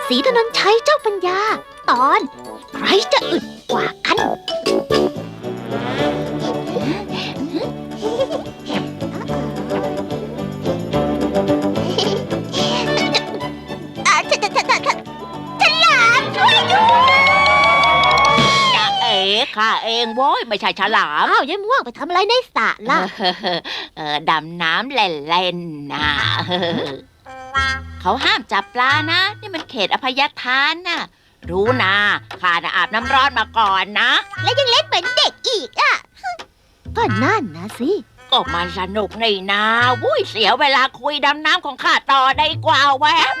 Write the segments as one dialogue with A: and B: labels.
A: ศรีถนนชัยเจ้าปัญญา ตอนใครจะอึดกว่ากันฉลามช่วยด้วย
B: จะข้าเองโว้ยไม่ใช่ฉลาม
A: อ้าวยายม่วงไปทำอะไรในสระล่ะ
B: ดำน้ำเล่นๆนะเขาห้ามจับปลานะ นี่มันเขตอภัยทานนะรู้นะข้าน่ะอาบน้ำร้อนมาก่อนนะ
A: และยังเล่นเหมือนเด็กอีกอ่ะ ก็นั่นนะสิ
B: ก็มันสนุกนี่นะวุ้ยเสียเวลาคุยดำน้ำของข้าต่อได้กว่าแวะ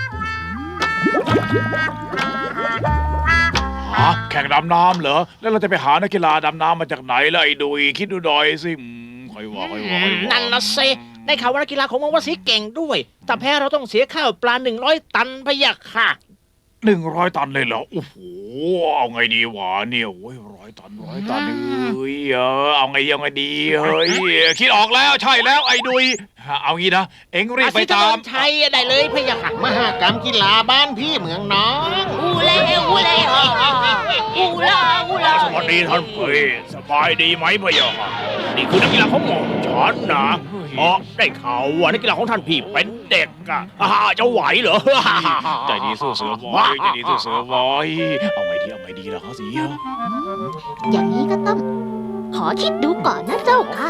C: แข่งดำน้ำเหรอ แล้วเราจะไปหานักกีฬาดำน้ำมาจากไหนล่ะไอ้ดุยคิดดูหน่อยสิค่อยว่า
D: นั่นนะเซได้ข่าวว่านักกีฬาของมังวสีเก่งด้วยแต่แพ้เราต้องเสียข้าวปลา100 ตันพะยะค่ะ
C: 100 ตันเลยเหรอโอ้โหเอาไงดีวะเนี่ยโอ้ย100 ตันเฮ้ยเอาไงดีเฮ้ยคิดออกแล้วใช่แล้วไอ้ดุยเอางี้นะเอ็งรีบไปตาม
D: ใช่ได้เลยพะยะค่ะมหากรรมกีฬาบ้านพี่เมืองน้อง
B: อูเล่อูเล่อูลาอูลา
C: สวัสดีท่านเฮ้ยสบายดีไหมพ่อหยอกนี่คือนักกีฬาของหม่อมฉันนะได้ข่าวว่านักกีฬาของท่านพี่เป็นเด็กอะจะไหวเหรอใจดีสู้เสือบอยใจดีสู้เสือบอยเอาไงดีล่ะครับสิ
A: อย่างนี้ก็ต้อง ขอคิดดูก่อนนะเจ้าค่ะ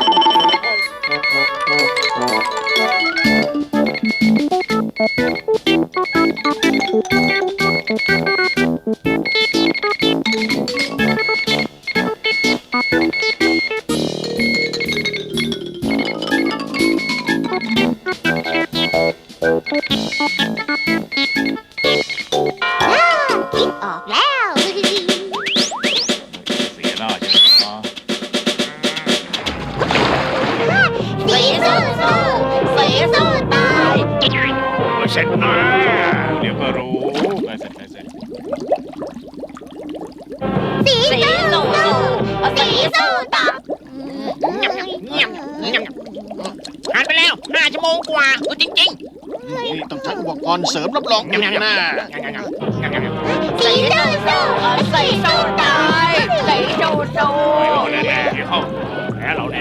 A: คิดออกแล้ว
C: เสียหน้าใช่ไหม
A: สีสู้สีสู้ตาย
C: เสร็จนะเดี๋ยวก็รู้ไปเสร็จ
A: สีสู้สีสู้ตาย
D: ผ่านไปแล้ว5 ชั่วโมงกว่าจริง
E: นี่ต้องใช้อุปกรณ์เสริมรับรองอย่างแน่
A: สีสู้สีสู้ตาย
B: สีสู้สู้
C: แน่เข้าแพ้เราแน่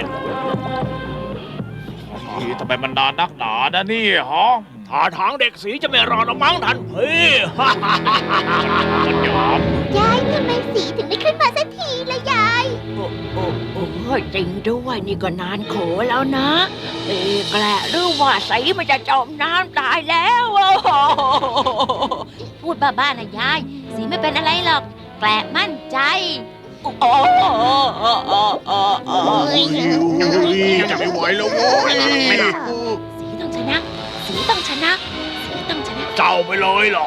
C: ทำไมมันนานนักหนานะนี่ฮะท่าทางเด็กสีจะไม่รอดมั้งท่านพี่มันยอม
A: ยายทำไมสีถึงไม่ขึ้นมาสักทีละยาย
B: โอ้จริงด้วยนี่ก็นานโขแล้วนะแกละหรือว่าสีมันจะจมน้ำตายแล้วพูดบ้าๆนะยายสีไม่เป็นอะไรหรอกแกละมั่นใจโอ้
E: จะไม่ไหวแล้วโว้ย
B: สีต้องชนะสีต้องชนะสีต้องชนะ
C: เจ้าไปเลยเหรอ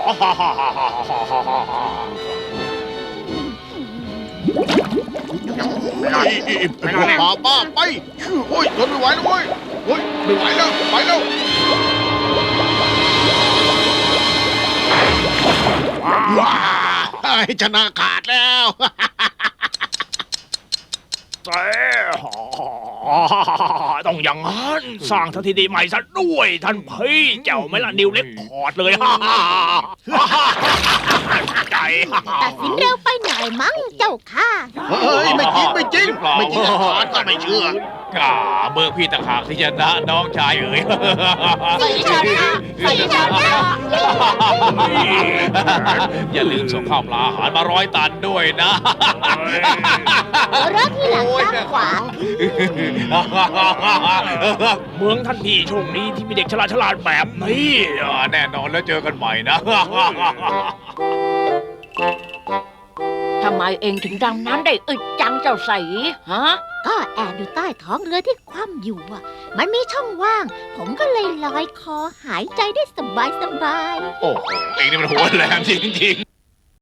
E: พวกบ้าบ้าไปโอ้ยทนไม่ไหวแล้วเว้ยโอ้ยไม่ไหวแล้วไปแล้วว้าชนะขาดแล้ว
C: ต้องอย่างนั้นสร้างสถิติใหม่ซะด้วยท่านพี่เจ้าไม่ละนิวเล็กคอร์ดเลยใจ
A: ตัดสินเร็วไปหน่อยมั้งเจ้าค่ะ
E: เฮ้ยไม่จริงขาดก็ไม่เชื่อ
C: เมื่อพี่ต่างหากที่ชนะน้องชายเอ๋ย
B: สีชนะสีชนะ
C: อย่าลืมส่งข้าวปลาอาหารมา100 ตันด้วยนะ
A: รถที่หลังด้านขวา
C: เมืองท่านพี่โชคดีที่มีเด็กฉลาดแบบนี้แน่นอนแล้วเจอกันใหม่นะ
B: ทำไมเองถึงดำน้ำได้อึดจังเจ้าสีฮะ
A: ก็แอบอยู่ใต้ท้องเรือที่คว่ำอยู่อ่ะ มันมีช่องว่าง ผมก็เลยลอยคอหายใจได้สบาย
C: โอ้โหเองนี่มันหัวแรงจริงๆ